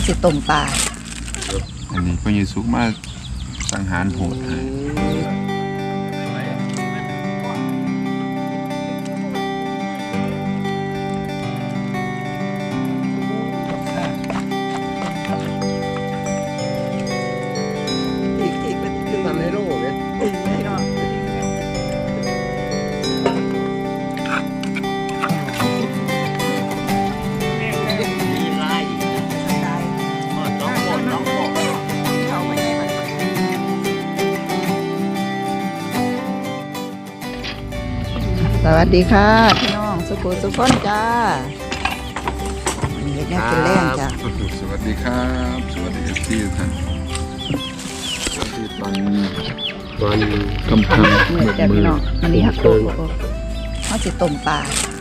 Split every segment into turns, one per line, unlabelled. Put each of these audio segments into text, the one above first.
สิต้มปลา
อันนี้ก็ยิสุกมาสังหารโหดให้
ทำให้โล่เนี่ย
สวัสดีค่ะพี่น้องสุขุสุขคนจ้าเด็กแม่กินแรงจ้า
สวัสดีครับสวัสดีที่ท่านสวัสดีตอนกำพัง
มือจ้าพี่น้องมันนี่ฮักโตเขาสิต้มปลา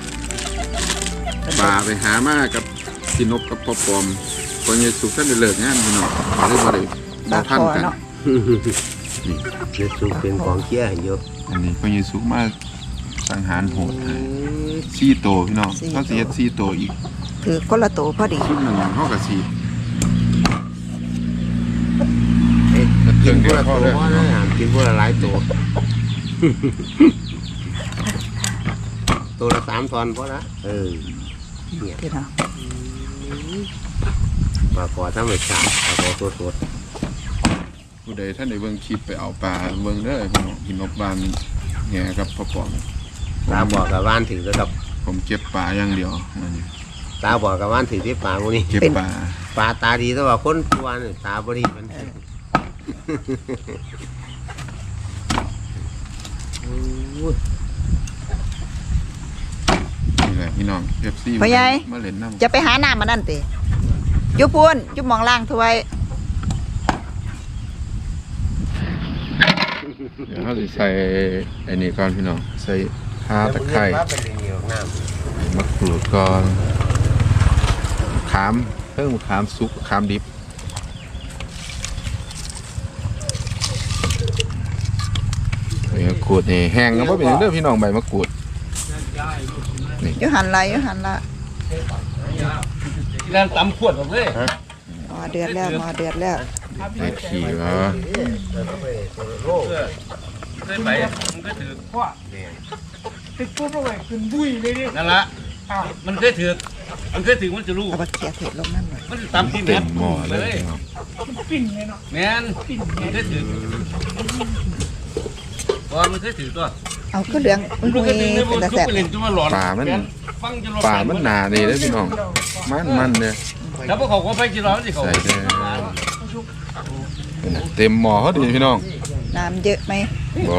ไปหามากับพี่นกกับพ่อปอมคนยิสุกท่านได้เลิกงานพี่น้องได้บ่ได้
ปลาคอเนาะ
เนื้อสุกเป็นของเคี้ยวเยอะ
อันนี้คนยิสุกมาสังหารโหดให้ซี่โตพี่น้องเขาสิเฮ็ดซี่โตอีก
ถือคนละโตพอดี
ชุดหนึ่งเฮาก็สิ
กินพวกละตัวนะกินพวกละหลายตัวตัวละ3 ตอนพอละเนี่ย
พี่น้อง
ปลาคอธรรมชาติปลาคอสด
ผู้ใดท่านได้เบิ่งคลิปไปเอาปลาเบิ่งเด้อพี่น้องพี่นกบ้านแง่กับพ่อปอม
ตาบอกกับว่านถือแล้วกับ
ผมเก็บปลาอย่างเดียว
ตาบอกกับว่านถือที่ปลาพวกนี้
เก็บปลา
ตาดีแต่ว่าคนตัวนี่ตาบริมัน
นี่แหละพี่น้องเอฟซี
พ่อใหญ่
มาเล่นน้ำ
จะไปหาน้ำมานั่นติยุบพูนยุบมองล่างถ้วย
เดี๋ยวเราจะใส่ไอ้นี่ก่อนพี่น้องใส่ข่าตะไคร้มะกรูดก่อนขามเพิ่มขามซุปขามดิบใบมะกรูดนี่แห้งก็ไม่เป็นเรื่องพี่น้องใบมะกรูด
นี่ยุหันละ
แล้วตำขวดผมเลย
หม้อเดือดแล้ว
ได้ขี่วะ
ไปมันก็ถือพ่อติดปุ๊บลงไปขึ้นบุ้ยเลยดินั่นละมันเคยถือมันจะรู้
เอาไปเขี่ยเผ็ดลงนั่นเลย
มันตำที่แม่
หม้อเลย
ปิ้งเลยเนาะแม่นปิ้งมันเคยถือมันเคยถือตัว
เอาก็เหลือง
มันเคยถือเป็นตะแสบ
ปลามันหนาดีเลยพี่น้องมันเนี่ย
แล้วพวกเขาก็ไปจีร้อนสิเขา
ใส่เต็มหม้อเขาดีพี่น้อง
น้ำเยอะไหม
บ่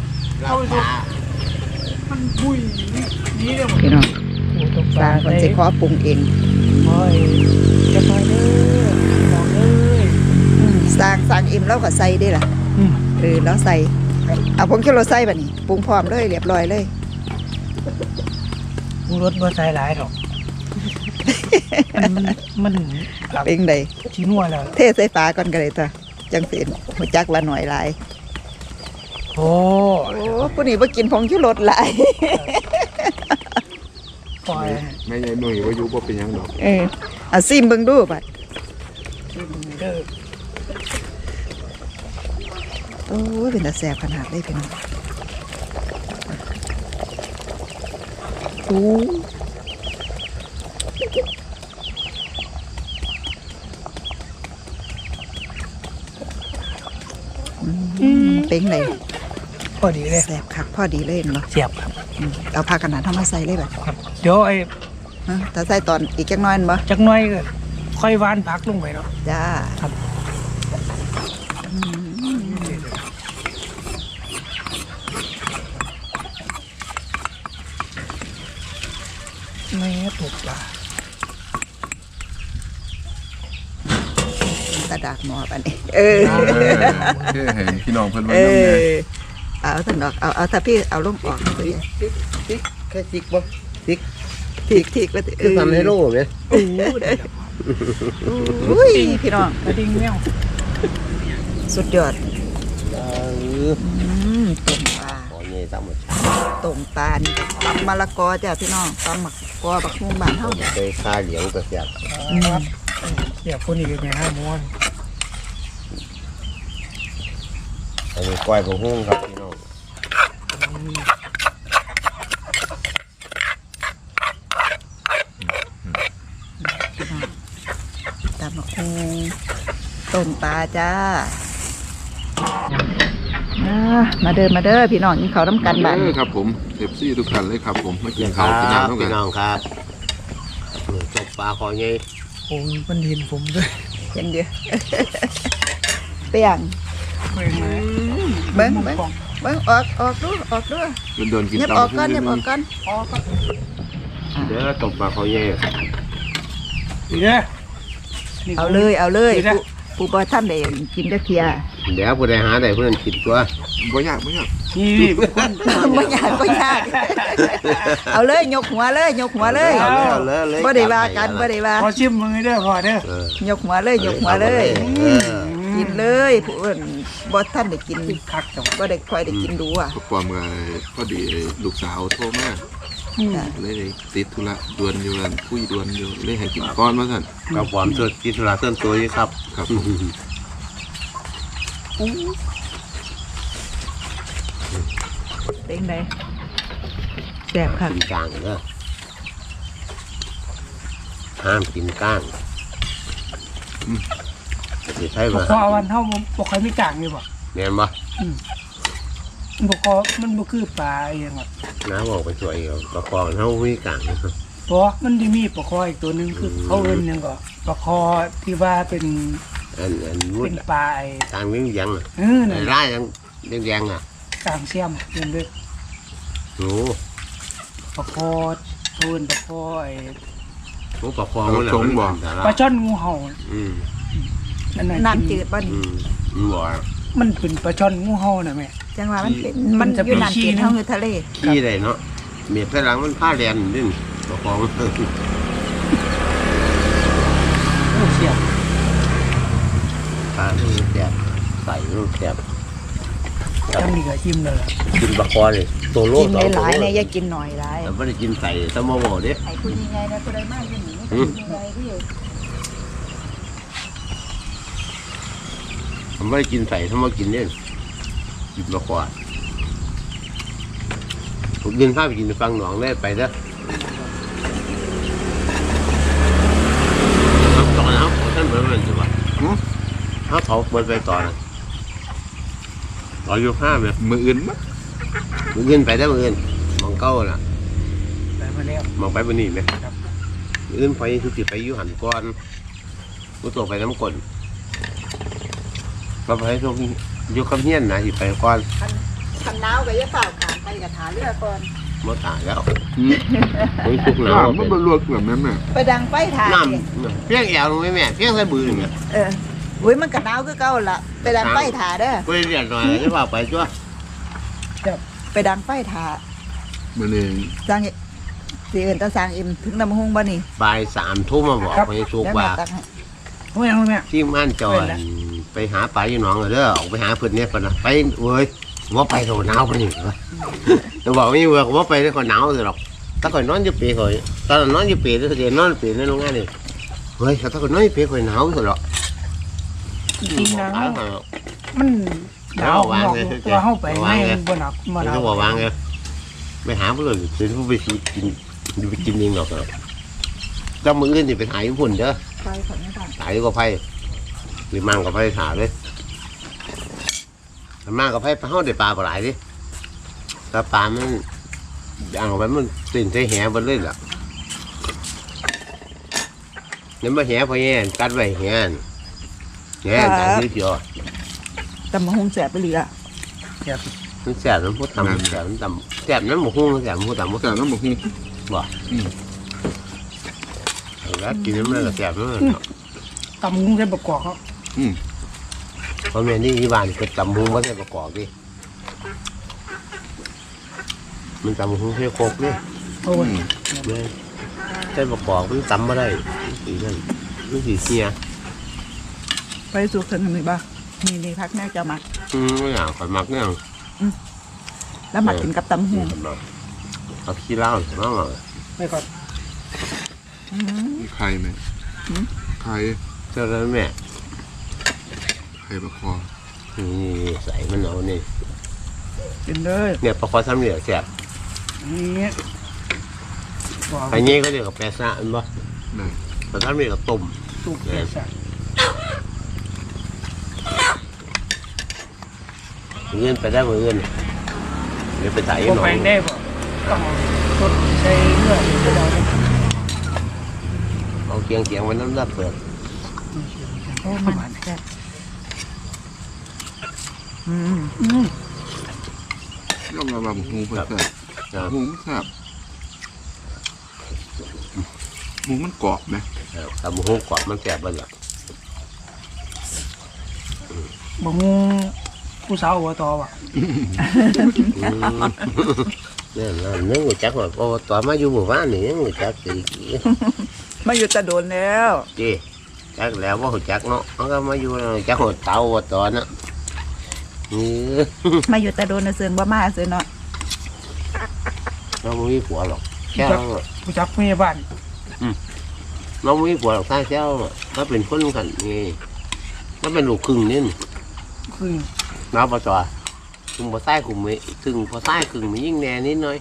มันบุยนี่เลย
พี่น้องสร้างคนจะขอปรุงเองจะคอยเด้อมองเลยสร้างอิ่มแล้วก็ใส่ได้ล่ะแล้วใส่เอาผงชูรสใส่แบบนี้ปรุงพร้อมเลยเรียบร้อยเลย
ปรุงรสบ่ใส่หลายหรอกมัน
เป็นไง
ชิ้นนัวแล้ว
เทใส่ฝาก่อนก็เลยจ้ะจังเสียนหัวจักละหน่อยหลาย
โอ้
ผู้นี้บ่กินผงชูรสหลาย
ไม่ใช่หน่วยว่ายุบเป็นยังดอก
ซิมเบิ่งดูบัดโอ้ยเป็นตาแสบขนาดเลยพี่น้องเป็นไง
พอดีเลย
แสบคักพอดีเลยเนาะ
เสียบครับ
เอาผ้ากันหนาวทำมาใส่เลยแบบ
เดี๋ยว
ถ้าใส่ตอนอีกจักน้อยบ่
จักน้อยก็ค่อยวานพักลงไปเนาะ
จ้า
ครับไม่ถูกปลาก
ระดาษหมอปันนี้
เห็นพี่น้องเพิ่นว่า
เอาท่านดอกเอาถ้าพี่เอาลงออก
ติ๊กแค่ติ๊กบ่ติ๊ก
แล้ว
คือทำให้โล่ไหม
อุ้ยพี่น้อง
กระดิ่งแมว
สุดยอดต้มปลาต้มปลานี่ตำมะละกอจ้ะพี่น้องตำมะกอบักฮุ่งบ้านเฮา
ไปคาเหลียงกระเสียบ
เดี๋ยวคนอีกไงห้าม้วน
อันนี้กล้วยผักหุ้งครับพี่น้อง
ตำบักหุ่งต้มปลาจ้ามาเด้อพี่น้องกินข้าวน้ำกันบ้าน
ครับผมเอฟซีทุกท่านเลยครับผมมากิน
ค
ข้า
รั
วกิน
บ
น้ำต้องกั
พี่
น
น้องครับตกปลาคอใหญ่
ผมมันเห็นผมด้วย
เห็นเดียวเปียง
เบิ่งไหม
เบิ้งออกดู
โดนกิน
เงียบ
ตาม
ออกก่อนเงียบออกก่อน
เด้อตกปลาคอใหญ่
ดีเด้อ
เอาเลยผู้บ่ท่านได้กินจักเทีย
เดี๋ยวผู้ใดหาได้ผู้นั้นกินตัว
บ่ยาก
นี่
บ่ยากเอาเลยยกหัวเลย
เอาเลย
บ่ได้ว่ากันบ่ได้ว่า
พอชิมมือเด้อพอเด้อย
กหัวเลยกินเลยผู้อื่นบ่ท่านได้กิน
คักจัง
บ่ได้ค่อยได้กินดูอ่ะ
ประความกับพอดีลูกสาวโทรมาเลยได้ติดธุระด่วนอยู่กันคุยด่วนอยู่เลยให้กินก้อนมาสั่น
กับความสดกินสุราเติมตัวอยู่ครับ
ครับ
เป็นไดแซ่บค่ะ
กินกลางเด้อห้ามกินก้างจะใช่
บ่
ป่ะ
พอวันเฮาบ่ค่อยมีกลางนี่บ่
แม่นบ่
บ่พอมันบ่คือปลาเองอ่ะ
น้าบอกไปช่วยเอาประคองเฮามีกลาง
เพราะมันสิมีปลาคออีกตัวนึงคือเขาเอิ้นหยังก็ปลาคอที่ว่าเป็น
อันมุด
เป็นปลาไอ้
ทางวิ่งยัง
เออนั่น
ไล่ยังแดงๆอ่ะ
กลางเสียมเอิ้นเด้อ
โอ้
ปลาคอเอิ้นปลาคอไอ้
โหประคองมัน
ปลาช่อนงูเห่า
อืม
นั่นน่ะ
น้ำจืดบ่
อื
นี่
มบ่
มันเป็นปลาช่อนงูเห่าน่ะแม่
จังว่ามันเป็นมัน
จะ
อ
เป็น
ยู่น้ำ
ขี้
จืด
นะ
เฮาอยู่ทะเล
ขี้ได้เนาะเมียดพลังมันผ้าแดนนี่ประคอง
โอ้เสียบ
ปลาลูกแกบใส่ลูกแกบ
จำนี่ก็อิ่มแล้วล่ะ
กินปลาคอเลยตัวโล
กินหลายๆเนี่ยอย่ากินหน่อยหลาย
แต่ไม่ได้กินใส่ตะโมโมเด้
ไอ้คุณยังไงนะผู้ใดมาอยู่นี่คุณยังไงที่
ผมไม่ได้กินใส่ถ้ามากินเนี่ยกินปลาคอผมกินข้าวไปกินฟังหนองได้ไปเด้อตอนนั้นท่านเหมือนมันใช่ปะเขาเผาเปิดไปต่อนะต่ออยู่ห้าไหม
มืออื่นมั้ย
มือเงินไปได้มือเงินมองเก้าน่ะ
ได้มาแล้ว
มองไปบนนี้ไหมมือเงินไปทุกทีไปอยู่หันก้อนกูตัวไปน้ำกลนก็ไปทุกอยู่กับเฮียนนะที่ไปก้อน
คันหนาวก็อย่าเฝ้าขามไปกับหาเรือก่อน
มาตายแล้วไม่ทุกหนาว
มันบรรลุแบบนั้นแม่
ไปดังไฟถ่าย
น้ำเพี้ยงแอวลงไหมแม่เพี้ยงใส่บือเนี่ย
อุ้ยมันก็หนาวคือเก่าล่ะไปดังไฟถ่าเด้อ
ไปเรียนหน่อยจะว่าไปจ้ว
ไปดังไฟถ่า
มันเอง
สร้างสิเอิ้นตาสร้างอิ่มถึงน้ำหุงบ่นี่
บ่าย3 ทุ่มมาบอกไปสุก
แล้ว
ว่า
มาตักให้
โอ้ยเอาแม่
ที่ม่านจอยไปหาปลาอยู่หนองเด้อออกไปหาเพื่อนเนี่ยคนนะไปเว้ยว่าไปโดนหนาวไปนี่จะบอกไม่เว้ยว่าไปได้คนหนาวเลยหรอกถ้าคนนอนอยู่ปีคอยตอนนอนอยู่ปีถ้าเกิดนอนปีในโรงงานนี่เฮ้ยถ้าคนนอนอยู่ปีคอยหนาวสุดหรอก
จริงๆนะมันหนาวหนอกตัวเฮาไปไม่บ่หนักบ่หนาว
เขาบอกวางไงไปหาเพื่อนเป็นผู้ไปกินไปกินเองหรอกเจ้ามืออื่นนี่ไปถ่ายญี่ปุ่นเด้อ
ไฟของนี่ค่ะ
ถ่ายกับไผ่หรือมั่งกับไผ่ถ่ายเลยมั่งกับไผ่เขาได้ปลาปลาไหลดิถ้าปลามันย่างออกไปมันตื่นใส่แหบนเลยล่ะนี่มาแหพอแย่กัดไว้แหแหต่างยืดเยอะ
ตำหุงแซ่บไปเลยอ่ะ
มันแสบน้ำพุตำแสบน้ำตำแสบน้ำหมูหุ้งแสบน้ำพุตำ
แต่น้ำหมกนี่
แล้วกินน้ำมันก็แสบน้ำ
ตำกุ้งใส่ประกอบเขา
เพราะแม่นี่ที่บ้านก็ตำหุ้งก็ใส่ประกอบดิมันตำหุ้งใส่โคกดิ
โอ้ย
ใส่ประกอบมันตำมาได้สีนั่นมันสีเสีย
ไปสุกถึงนี่บ่นี่พักแม่จะมัก
ไม่อยากขอยมักเนี่ย
แล้วมักกินกับตำหุง
เอาขี้เหล้าน้อง
ไม่ก่อน
ไข่ไหมไข่
ขเจ้าแล้วแม่
ไข่ปลาคอ
นี่ใส่มันเอานี่
กินเลย
เนี่ยปลาคอซ้ำเหลือแซ่บ
นี่
อันนี้ก็เรียกกับแปซ่าอันบ่
ได้
ปลาซ้ำเหลือกับต้ม
สุกแก่สัก
เงินไปได้บ่เงินเดี๋ยวไปถ่าย
พ
ยั
วก
งหน่อ
แปล
ย
งได้ป่ะต้องสดใส่เนื้อไปเราเนี่ย
เอาเคียงไว้น้ำรับเปิด
โอ้มันแซ่บ
อืม
ยอมรับว่าหูเพิ่นแซ่บหูมันแซ่บหูมันกรอบไหม
ทำหูกรอบมันแซ่บบ้างล่ะ
บะงูผู้สาวหัวตอว่ะ
เนี่ยนึกว่าจักว่าตัวมาอยู่หมู่บ้านนี่นึกว่าจักสิ
มาอยู่แตะโดนแล้ว
จีจักแล้วว่าหัวจักเนาะมันก็มาอยู่จักหัวเตาหัวตอนน่ะนี่
มาอยู่แตะโดนน่ะเสือนบ่มาเสือนเนาะ
เราไม่มีผัวหรอกแค่
ผู้จักเมียบ้าน
เราไม่มีผัวหรอกใช่แค่เราเป็นคนกันนี่เราเป็นลูกครึ่งนี่
คือ
น้าปะจอถึงพอใต้คุมมีถึงพอใต้ครึ่งมียิ่งแน่นิดหน่อย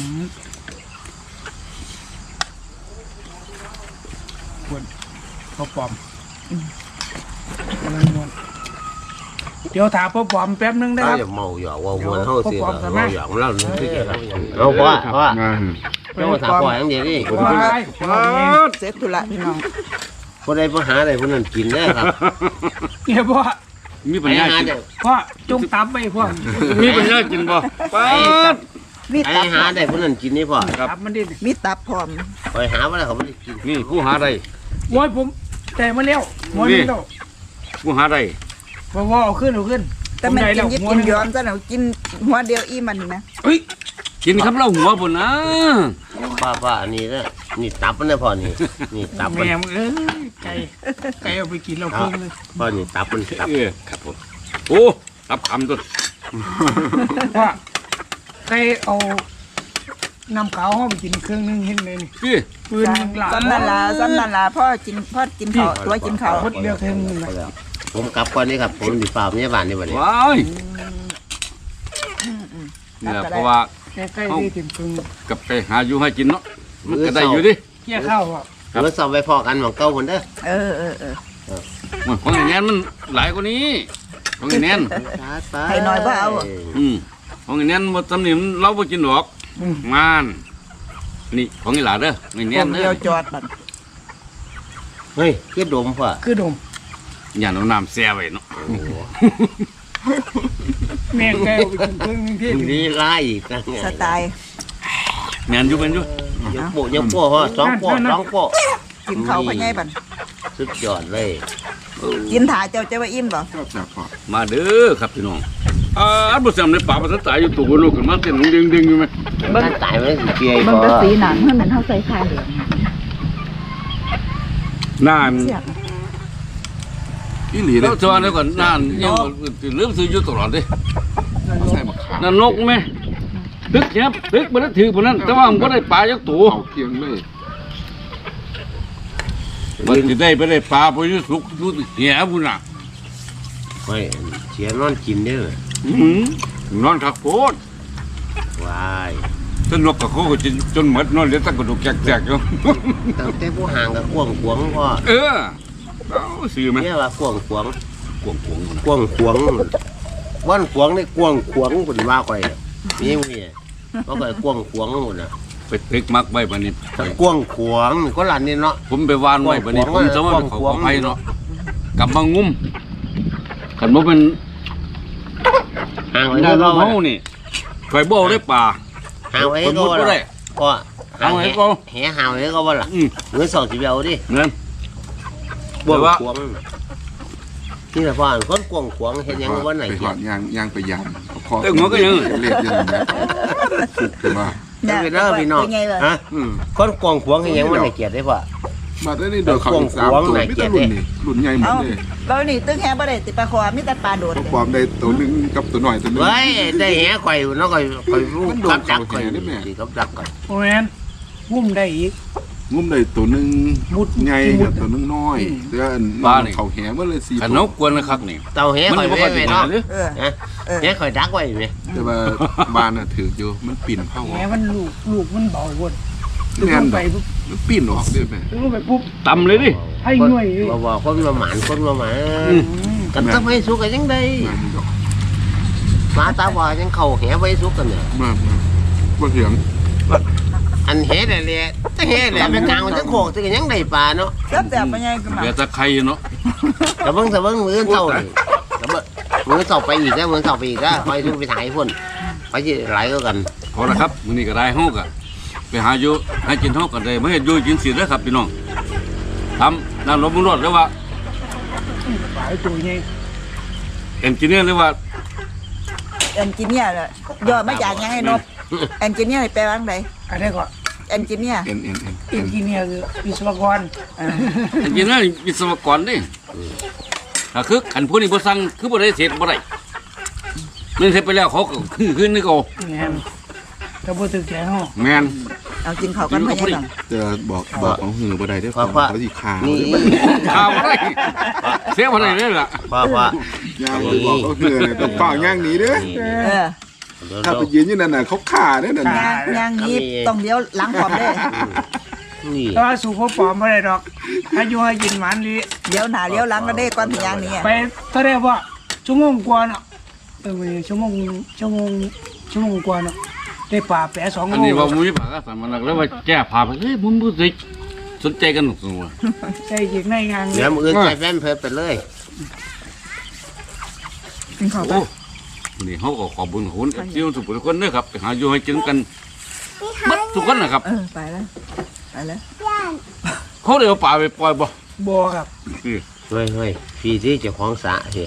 พ่อปอมกำลังมวนเดี๋ยวถามพ่อปอมแป๊บนึงได้
ถ้า
ครับ
อย่าเมาหยอกว่าวนเท่าเสียเราหยอกเรานึกที่เราเอาพ่อเจ้าถามพ่ออย่างเดียวนี่
ว้าย
เสร็จธุระพี่น้อง
คนใดปัญหาใดคนนั้นกินได้ครับ
เนี่ยพ่อ
มีปัญญากิน
พ่อจงตับไปพ่อ
มีปัญญากินบ่ป้าด
มี
ไอ้
ตับ
หาได้คนนั้นกินนี่พ่อ
ตับมันดิ
มีตับพร้อม
ไปหาว่าเขาไม่ได้กิน
นี่ผู้หาได้
โอ้ยผมแต่มาแล้วหัวนึงแล้ว
ผู้หาได้
ว่าเอาขึ้น
แต่มันกินยิบกินย้อมซะแล้วกินหัวเดียวอีมันนะ
เฮ้ย
กินครับเราหัวพุ่นนะ
ป้าอันนี้นะนี่ตับมันนะพ่อนี่นี่ตับมัน
แม่มึงไก่เอาไปกินเราครึ่งเลย
พ่อนี่ตับมันตับ
ครับผมโอ้รับคำตัว
ว่าไก่เอาน้ำขาวห้องไปกินเครื่องนึงเห็นเลยนี่
พี่
ปืนหลา
ซ้ำนั่นล่ะพ่อกินข้าวตัวกินข้าว
พดเดียวเครื่องนึงนะ
ผมกลับก่อนนี่ครับผมดีฝ่าพยาบาลนี่วันนี้
ว้ายเนี่ยเพราะว่า
ใกล้ๆนี่ถึงครึ่ง
กับไปหาอยู่ให้กินเนาะมันก็ได้อยู่ดิ
เกี่ยข้าวอ่ะ
เมื่อสอบไปพอกันหมองเก้าคนเด้อ
เออ
ของไอ้แนนมันหลายกว่านี้ของไอ้แนน
ให้น้อยบ่เอา
ของไอ้แนนบ่ตำหนิมันเราบ่กินดอกงานนี่ของไอ้หลาเด้อไอ้แน
พวน ก
เด้
เดียว
อ
จอดบัด
เฮ้ยคือดมพ่อ
คือดม
อย่าเอาน้ำแซ่ไว้เนาะ
แม่ไก่เอาไปกินเครื่องนึงที่
นี่ไล่อีกนะ
สไตล์
แม่นอยู่เป็นอยู่
ยังโป้พ่อสองโป้
กินข้าวพ่อใหญ่บัด
สุดยอดเลย
กินถ่าเจ้าจะว่าอิ่มบ่
ชอบแซ่บพอ
มาเด้อครับพี่น้องอันบ่แซ่บในป่าบ่ทันตายอยู่ตัวบ่รู้ขึ้นมาเต้นดึงๆอยู่ไหม
ท่านตายไม่สิเกียร์
มัน
พ่
ก็
อ
สีหนังเพิ่นเหมือนเฮาใส่ผ้าเหลือง
นาน
เสียบ
อีหลีเล
แล้
ยว
จวนแล้วก่อนนานยังลืมซื้ออยู่ตลอดเด้
ใส่มะขาม
นั่นนกไหมตึกเนี้ยตึกบ่ได้ถือพุ่นนั้นแต่ว่ามันบ่ได้ปลาจักตัว
เอาเคียงเลย
มันสิได้ไปได้ปลาไปอยู่สุกอยู่เหี้ยพุ่นน่ะ
เฮ้ยเสียนอนกินเด้อน
อนคักโพด
วาย
จนนกกับเขาก็จนหมดนอนเหลือแต่กระดูกแจกๆอยู่
ตั้งแต่ผู้ห่างกับกวงขวงพ่อ
เออเอาซื้อไหม
เนี่ยว่ากวงขวง
กวงกวง
กวงขวงวันขวงนี่กวงขวงเป็นว่าก่อยนี่มีเขาก็กวงขวงหมดนะ
ไปตึกมักไว้บัดนี้
กวงขวงก็หลานนี่เนาะ
ผมไปวานไว้บัดนี้ผมจะว่าเขาขอไปเนาะกลับมางุ้มคันบ่เป็น
ห่างไว้
ได้
ก็
เรา
ว่า
เฮานี่ไฟบ่ได้ป่า
ห่างไว้
คน
ก็
มุดบ่
ว่า
ได้
ก็ห่าง
เอาไว้
ไว้
ก็
แห่ห่างไว้ก็ว่าล่ะ
อืม
เงิน2 10เอาดิ
นั่น
กวง
แต่ว่า
ขวงนี่แหละพ่อคนกวงขวงเห็นยังวันไหน
ไป
เกี
ก่
ย
อนยางไปยางคอ
เอ้ยหัวก็ยัง
เรียกยังนะแต่ว่า
เป็นเด้อพี่น้อง
เป็นไงล่ะ
ฮะคนกวงขวงเห็นยังวันไหนเกียรได้พ่อ
มาได้นี่เดี๋ยวเขาอีก3ตัวไม่ต้องรุ่นนี่รุ่นใหญ่หมด
เอ้า
เลย
แล้วนี่ตึ้งแฮบ่ได้ติปลาคอมีแต่ปลาโดด
ตัวปลอมได้ตัวหนึงกับตัวหน่อยตัวหนึง
เฮ้ยได้แห่ข่อยเนาะข่อยรู้
มันโดน
กับดังข่อย
แห่ได้แม่
สิกับดังข่อย
โอ้ยงุ่มได้อีก
งุ้มได้ตัวนึง
มุด
ใหญ่
มุ
กั
ด
บตัวนึงน้อยแต่อัน
ปลานี่
เขาแหมันเลย4
ขัน
ตั
น
ว
กกวนนะครับนี่
เต่าแห
มัน
ข่อย
บ่
ไว้
ค่อย
ไว้
ได้
เนาะ
หรือ
เออ
นะ
เออ
แหข่อยดักไว้ไหม
แต่ว่าบ้านน่ะถืออยู่มันปีนเข้า
แหมันลูกมันเบาหมด
แม่น
ไป
ดอกมันปีนออกเด้แม่
ลงไปปุ๊บ
ตำเลยดิ
ให้หน่วย
บ่คนมาหมานคนมาหมานกันต้องไปสุกกันยังไง
มันดอก
ปลาตาบอดยังเข่าแหไว้สุกกันเนี่ย
มาบ่เถียง
อันแหแต่แหละแต่แหแหละเป็นกลางมันจะโขกแต่ก็ยังได้ปลาเนาะ
แซ่บแต่ไปยังก็มา
เดี๋ยวตะไคร้เนาะ
แต่เบิ่งมือเศร้านี่แต่เบิ่งมือเศร้าไปอีกแล้วมือเศร้าไปอีกแล้วคอยสุกไปถ่ายพ่นไปที่หลายก็กัน
พอละครับมื้อนี้ก็ได้เฮาก็ไปหาอยู่ให้กินเฮาก็ได้บ่เฮ็ดอยู่กินสิเด้อครับพี่น้องทำน้ำลมมุนรดหรือว่า
ปลาตัวใหญ่
เอนจิเนียร์หรือว่า
เอนจิเนียร์เลยย่อมาจากยังไงนบเอนจิเนียร์แปลว่าไง
อะไรก็
เอนจิเนียร์
เอ็น
อินจิเนียร์คือวิศวกร
เอนจิเนียร์วิศวกรเด้ถ้าคือคันผู้นี้บ่สั่งคือบ่ได้เสร็จบ่ได้มันเสร็จไปแล้วเขาก็คือนึกเอา
แม่นถ้าบ่ถึกใจเฮา
แม่น
เอากินข้าวกันไปยัง
จะบอกเอาหือบ่ได้เด้อเขาสิคา
นี่
ข้าวบ่ได้เสียบ่ได้เลยล่ะ
พ่อ
ย่าบ่บอกเอาหือเนี่ยต้องเฝ้าย่างหนีเด้อ
เออ
ถ้าไปยืนอยู่นั่นน่ะเขาฆ่าเด้อนั่น
ย่างนี้ต้องเลี้ยวหลังพร้อมเด้
นี่
แต่ว่าสู่พ่อปอมบ่ได้ดอกอายุให้กินหวานดี
เลี้ยวหน้าเลี้ยวหลังก็ได้ก่อนถึงย่างนี้
ไปเท่าได้ว่าชั่วโมงกว่าเนาะชั่วโมงกว่าเนาะได้ปลาแปะ2
อัน
โล
นี้ว่ามุ้ยปากก็สามันแล้วว่าแก้ผ้าไปเฮ้ยผมบ่ได้สนใจกันหนุกสัว
ใส่อีกในงาน
เดี๋ยวมือใส่แฟนเพิ่มไปเลย
กินข้าวไป
โอ้นี่เฮาก็ขอบคุญคุณที่ทุกคนเด้อครับไปหาอยู่ให้กินกันบัดทุกคนนะครับ
เออไปแล้วไปแล้ว
เขาได้เอาปลาไปปล่อยบ่
บ่ครับ
เฮ้ยพี่ที่เจ้าของสระสิ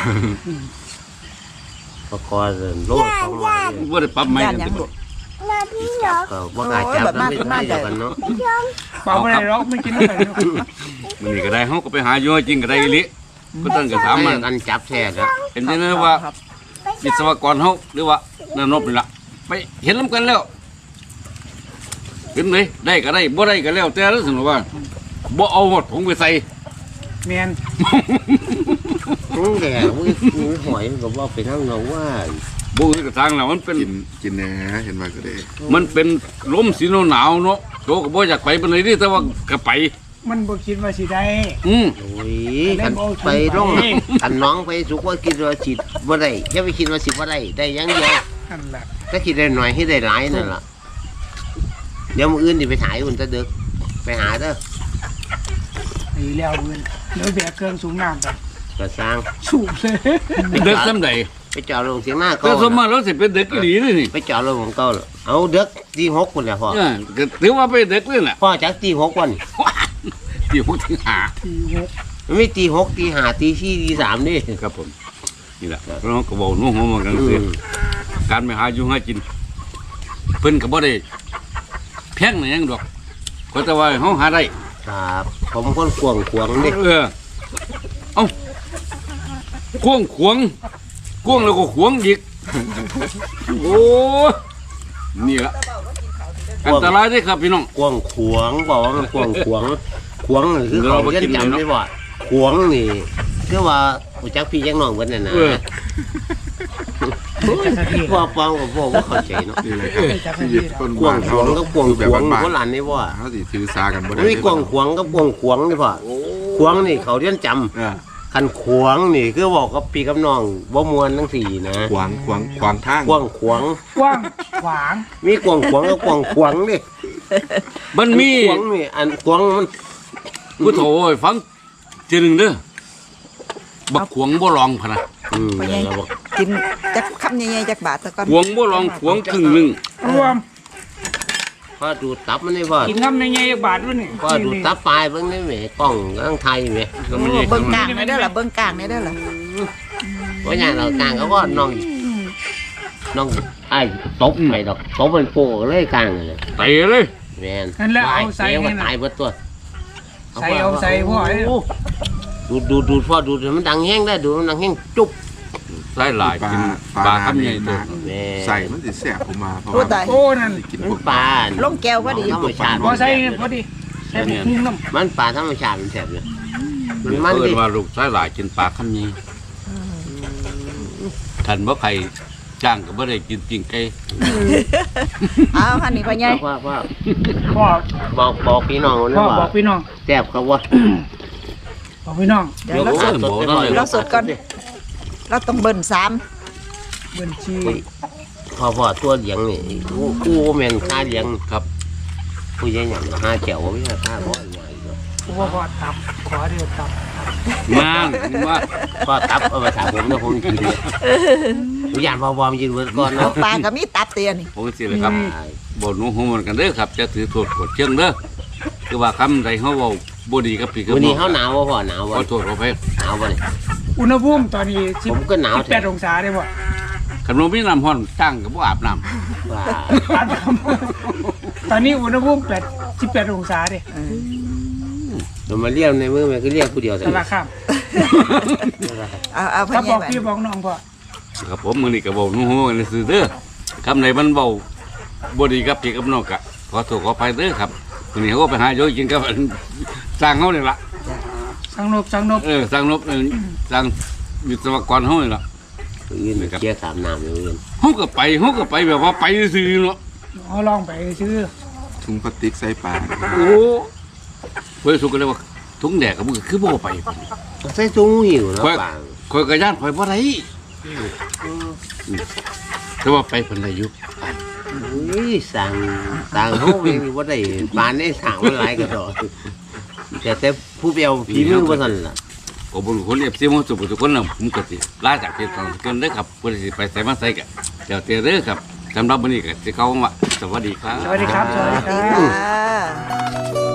ประกอบโลดของมัน
บ่ได้ปรับใหม่
ย่าน
กัน
ยัง
ติ
ลูก
ก็บ่กล้าจับแล้วไม่ได้เดียวกันเนาะ
ปลาบ่ได้หรอกไม่กินอะไรเนาะ
มื้อนี้ก็ได้เฮาก็ไปหาอยู่ให้กินก็ได้อีหลีก็ต้องก็ถามมัน
กันจับแท้แล้ว
เห็นได้เลยว่าวิศวกรเฮาหรือว่านานบนี่ล่ะไปเห็นนํกันแล้วเห็นไหมได้ก็ได้บ่ได้ก็แล้วแต่แล้วสมมุติว่าบ่เอาหมดถุงไปใส่
แม่น
แกมือหอยก็ว่าไปทั้งเนาว่า
บ่คือกระทางแล้วมันเป็น
กินแหน่เห็นว่าก็ได้
มันเป็นลมสีหนาวๆเนาะโตก็บ่อยากไปปานใดนี่แต่ว่าก็ไป
มันบ่คิดว่าสิได้
อืม
โอ้ยกันไปร่องกันน้องไปสุกว่าคิดว่าสิบ่ได้อย่าไปคิดว่าสิบ่ได้ได้อย่างเดียว
นั่นแหละ
ถ้าคิดได้หน่อยให้ได้หลายนั่นล่ะเดี๋ยวมื้ออื่นสิไปถ่ายอุ่นตะดึกไปหาเด้อ
ไอ้แล้วเงินเดี๋ยวแบกเครื่องสูงน้ำไป
ก็สร้าง
สูบเลย
เด็กซ้ำใด
ไปจอดลงเสียงหน้า
แต่
ก็
สมมาแล้วสิเป็นเด็กอีหลีเลยนี่
ไปจอดลงของเก่าเอาเด็กตี6พุ่นแหละพ่อ
ก็ถือว่าเป็นเด็กเลยน่ะ
พ่อจักตี6วัน
ที่พูดถึงหา
ทีหก
มันไม่ตี6ตี5ตี4ตี3นี่
ครับผมนี่แหละเราก็บอกนู่นหัวมันกันสิการไปหาอยู่หากินเพิ่นก็บ่ได้แพงหยังดอกก็แต่ว่าเฮาหาได้
ครับผมคนขวงนี่
เออเอ้าควงแล้วก็ขวงอีกโอ้นี่ละอันตรายเด้อครับพี่น้อง
ขวงบอกว่ามันขวงนี่คือเขาเรียนจำได้บ่ขวงนี่คือว่าอุจักพี่ยังน้องเพิ่นน่ะนะ
เออ
จักรที
ว่าปองกับพวกบ่เข้าใจเนาะ
นี่แหละครับชีวิตคน
ขว
บ้าง น
ข
เฮาว
ง
เนาะ
กับขวง
แบบบ้าน
โบราณนี่บ่
ๆเขาสิถือสากันบ่ได้
มีขวงกับขวงนี่พ่อขวงนี่เขาเรียนจำ
อ่า
คันขวงนี่คือบอกกับพี่กับน้องบ่ม่วนทั้งสี่นะ
ขวางทาง
ขวง
กว้างขวาง
มีขวงกับขวงนี่
มันมี
ขวงนี่อันขวงมัน
ผู้โถให้ฟังทีหนึงเด้อบักขวงบ่ลองพะนะ
ไปยังกินจักคำใหญ่ๆจักบาทซะก่อน
ขวงบ่ลองขวงครึ่งหนึง
รวม
พอดูดตับมันนี่พ่อ
กินน้ำในไงบาทด้วยนี่
พอดูดตับปลายเบิ่งนี่แหมกล้องทั้งไทยแหม
ก็ไม่ใช่
เบิ่งกลางนี่เด้อล่ะเบิ่งกลางนี่เด้อล่ะ
ว่าอย่างเรากลางเขาก็น้องไอ้ตบไปดอกตบเป็นโป้เลยกลางเลย
เตะเลย
แมน
นั่นแหละเอาใส่
เดี๋ยว
นี่
ก็
นะ
ตายเบิดตัว
ใส่เอาใส่พ่อไอ้
ดูดพ่อดูดมันดังแห้งได้ดูมันดังแห้งจุ๊บ
ใส่หลายกินปลาคำใหญ่ตัว
แม่
ใส่มันสิแสบออกมาเพราะ
โอ้
ว่า
ตาย
โอ้นั่น
กิน
มั
พวน ก
ปลา
ลงแก้วพอดี
ธรรมชาติ
พอใส่พอดีใส่บุกหุ้งน้ำ
มันปลาธรรมชาติมันแซ่บเนี่ยมัน
เพิ่
ดิ
นว่าลูกชายหลายกินปลาคำนี้ท่านบ่ใครจ้างก็บ่ได้กินจริงไก่
เอาหันนี่พ่อใหญ่
พ่อ
พ่อ
บอกพี่น้องนะ
พ่อ
ว่า
บอกพี่น้อง
แซ่บครับว่า
บอกพี่น้อง
เดี๋ยวเราสด
บ่ได้เลย
เราสดก่อนเราต้องเบิ่น3
บัญชี
พ่อตัวเลี้ยงนี่กูแม่นค่าเลี้ยง
ครับ
ผู้ใหญ่หยังหาแก้วบ่มีค่าบ่ใหญ่
พ่อพ่อตับขอเดียวตับ
มาว่า
ก็ตับเอาไปถามผมนะผมกินเนี่ยผมอยากพอมยืนเวิร์ดก่อน
เอา
เนาะ
ปลาก็มีตับเตียนี่
ผมสิเลยครับบ่หนูฮู้มันกันเด้อครับจะถือโทษกดเชิงเด้อคือว่าคำใดเฮาเว้าบ่ดีกับพี่กับ
วัน
น้
นี้
อง
เขาหนาวบ่พ่อหนาว
ข
บ่
อโทษขออภัย
หนาวบ่เนี่ย
อุณหภูมิตอนนี้
ผมก็หนาว
18องศาได้บ่
ขนมมีน้ำร้อนจ้างก็บ่อาบน้ำ
ว่า
ตอนนี้อุณหภูมิ18องศาเด้
เรามาเรียกในมือมันก็เรียกผู้เดียว
สารคาม
เอาพ่อ
ถ้า
ให
บ
ญ่
อก
ไป
พี่บอกน้องพ่อ
ครับผมมื้อนี้ก็บ่หนูฮู้กันซื่อเด้อคำใดมันเว้าบ่ดีกับพี่กับน้องก็ขอโทษขออภัยเด้อครับมื้อนี้เฮาก็ไปหาอยู่กินกับสร้างเฮานี่ล่ะ
สังนบ
สร้างนบสร้างวิศวกรเฮานี่ล่ะ
ยืนเกี่ยวขามน้ำอยู่ยืน
เฮาก็ไปแบบว่าไปซื่อๆเนาะ
เอาลองไปซื้อ
ถุงพลาสติกใส่ปลา
โอ้เพิ่นสุกก็เลยว่าถุงแดกก็บ่คือบ่ไป
ใส่ถุงหิวเนาะ
ข่อย
ปาง
ข่อยก็ย่านข่อยบ่ได้แต่ว่าไปเพิ่นได้อยู่
อุ้ยสั่งเขาเองว่าได้ปานได้สั่งมันหลายก็ดอกแต่ผู้เปียวฝีมือบ่สั่นล่ะ
ขอบคุณคนเอฟซีมันสุขทุกคนนะผมก็สิลาจากที่ทางเกินเด้อครับเพื่อสิไปใส่มาใส่กันเดี๋ยวเตเด้อครับสำหรับวันนี้ก็สิเข้าว่าสวัสดีครับ
สวัสดีครับ สวัสดีค
ดี
รับ
ค่ะ